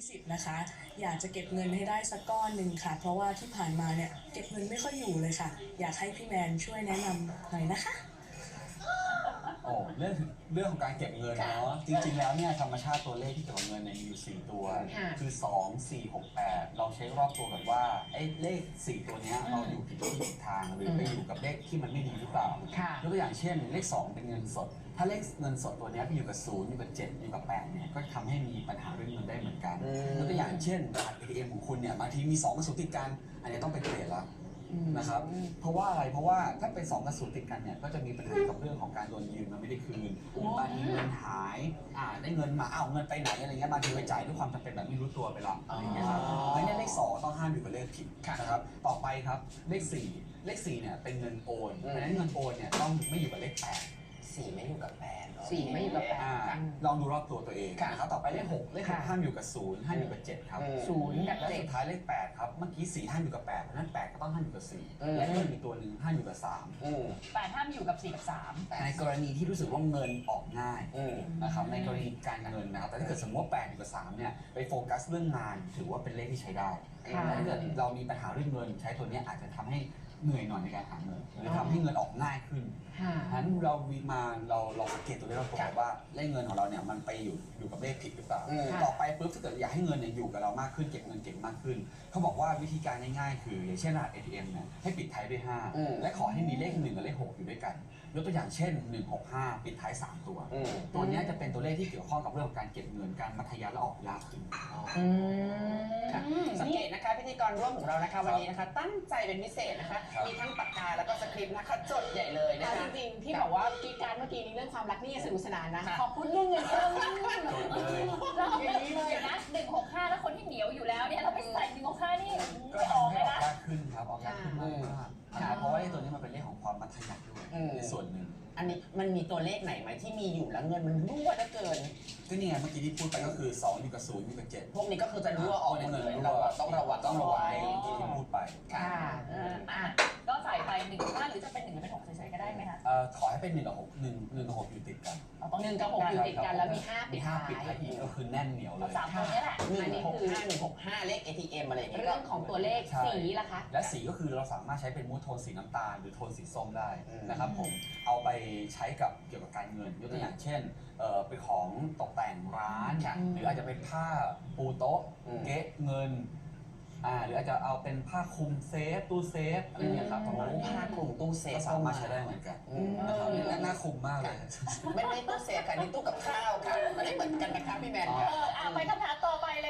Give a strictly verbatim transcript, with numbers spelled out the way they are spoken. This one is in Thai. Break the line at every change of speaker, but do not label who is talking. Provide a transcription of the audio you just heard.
สิบนะคะอยากจะเก็บเงินให้ได้สักก้อนหนึ่งค่ะเพราะว่าที่ผ่านมาเนี่ยเก็บเงินไม่ค่อยอยู่เลยค่ะอยากให้พี่แมนช่วยแนะนำหน่อยนะคะ
โอ้เรื่องเรื่องของการเก็บเงินเนาะจริงๆแล้วเนี่ยธรรมชาติตัวเลขที่เกี่ยวกับเงินเนี่ยมีอยู่สี่ตัวคือสอง สี่ หก แปดเราเช็ครอบตัวกันว่าไอ้เลขสี่ตัวเนี้ยเราอยู่ผิดที่ผิดทางหรือไปอยู่กับเลขที่มันไม่ดีหรือเปล่ายกตัวอย่างเช่นเลขสองเป็นเงินสดถ้าเลขเงินสดตัวเนี้ยไปอยู่กับศูนย์อยู่กับเจ็ดอยู่กับแปดเนี่ยก็ทำให้มีปัญหาเรื่องเงินได้เหมือนกันยกตัวอย่างเช่นบัตร เอ ที เอ็ม ของคุณเนี่ยบางทีมีสองกระสุนติดกันอันนี้ต้องไปเปลี่ยนละนะครับเพราะว่าอะไรเพราะว่าถ้าเป็นสองกระสุนติดกันเนี่ยก็จะมีปัญหากับเรื่องของการโดนยืมมันไม่ได้คืนบางทีเงินหายอ่าได้เงินมาอ้าวเงินไปไหนอะไรเงี้ยบางทีไปจ่ายด้วยความจำเป็นแบบไม่รู้ตัวไปละอะไรเงี้ยครับเพราะฉะนั้นเลขสองต้องห้ามอยู่กับเลขผิดนะครับต่อไปครับเลขสี่เลขสี่เนี่ยเป็นเงินโอนเพราะฉะนั้นเงินโอนเนี่ยต้องไม่อยู่กับเลขแปด
สี่ไม่อยู่กับแปด
สี่ไม่อยู่กับแปด
ลองดูรอบตัวตัวเองนะครับต่อไปเลขหกเลขหกห้ามอยู่กับศูนย์ห้ามอยู่กับเจ็ดครับ
ศูนย์กับ
และ
เจ็ด
สุดท้ายเลขแปดครับเมื่อกี้สี่ห้ามอยู่กับแปดเพราะฉะนั้นแปดก็ต้องห้ามอยู่กับสี่และเพิ่มอีกตัวหนึ่งห้ามอยู่กับสาม
แปดห้ามอยู่กับสี่กับสาม
ในกรณีที่รู้สึกว่าเงินออกง่ายนะครับในกรณีการเงินนะครับแต่ถ้าเกิดสมมติว่าแปดอยู่กับสามเนี่ยไปโฟกัสเรื่องงานถือว่าเป็นเลขที่ใช้ได้แต่ถ้าเกิดเรามีปัญหาเรื่องเงินใช้ตัวนี้อาจจะทำให้เหนื่อยหน่อยในการหาเงินหรือทำให้เงินออกง่ายขึ้นฉะนั้นเราวีมาเราเราสังเกตตัวเลขเราบอกว่าเลขเงินของเราเนี่ยมันไปอยู่อยู่กับเลขผิดหรือเปล่าต่อไปปุ๊บถ้าเกิดอยากให้เงินเนี่ยอยู่กับเรามากขึ้นเก็บเงินเก่งมากขึ้นเขาบอกว่าวิธีการง่ายๆคืออย่างเช่นรหัส เอ ที เอ็ม เนี่ยให้ปิดท้ายด้วยห้าและขอให้มีเลขหนึ่งกับเลขหกอยู่ด้วยกันยกตัวอย่างเช่นหนึ่ง หก ห้าปิดท้ายสามตัวตัวนี้จะเป็นตัวเลขที่เกี่ยวข้องกับเรื่องของการเก็บเงินการมัธยัสถ์และออกยากขึ้น
สังเกตนะคะพิธีกรร่วมของเรานะคะวันนี้นะคะตั้งใจเป็นพิเศษนะคะมีทั้งปากกาแล้วก็สคริปต์นะคะจดใหญ่เลยนะคะ
จริงๆที่บอกว่ากีการเมื่อกี้นี้เรื่องความรักนี่สนุกสนานนะขอบคุณเรื่องเงินเรื่อง
เลย
เราเอาแบบเลยนะหนึ่งหกห้าแล้วคนที่เหนียวอยู่แล้วเนี่ยเราไปใส่หนึ่งหกห้านี่
ก็ทำให้ออกยากขึ้นครับออกยากขึ้นมากๆเพราะว่าตัวนี้มันเป็นเลขของความมัธยัสถ์ด้วยในส่วนหนึ่ง
อันนี้มันมีตัวเลขไหนไหมที่มีอยู่แล้วเงินมันรั่วเหลือเกิน
ก็นี่ไงเมื่อกี้ที่พูดไปก็คือสองอยู่กับศูนย์อยู่กับเจ็ด
พวกนี้ก็คือจะรั่วออก
ในเงิน
เราต้องระวัง
ต้องระวังที่พูดไป
ค่ะก็ใส่ไปหนึ่งห้าหรือจะเป็นหนึ่งหรือเป็นหกเฉยๆก็ได้ไหมคะ
เอ่อขอให้เป็นหนึ่งกับหกหนึ่งหนึ่งกับหกอยู่ติดกัน
หนึ่งกับหกอยู่ติดกันแล้วมีห้าปิดท้าย
ปิดท้ายอีกก็คือแน่นเหนียวเลย
สามตัวนี้แหละ
หนึ่งหกห้าหนึ่งหกห้าเลข เอ ที เอ็ม อะไรอย่างเงี้ย
เรื่องของตัวเลขสีล่ะคะ
และสีก็คือเราสามารถใช้เป็นมูดโทนสีน้ำตาลหรือโทนสีส้มได้นะครับผมเอาไปใช้กับเกี่ยวกับการเงินยกตัวอย่างเช่นเอ่อเป็นของตกแต่งร้านหรืออาจจะเป็นผ้าปูโต๊ะเก๊ะเงินอ่าหรืออาจจะเอาเป็นผ้าคลุมเซฟตู้เซฟอะไรเงี้ยครับประมาณ
ผ้าคลุมตู้เซฟ
ก็สามารถใช้ได้เหมือนกันนะครับและน่าคลุมมากเลย
ไม่ไม่ตู้เซฟค่ะนี่ตู้กับข้าวค่ะไม่ได้เหมือนกันนะคะพี่แมนค่ะ
ไปคำถามต่อไปเลย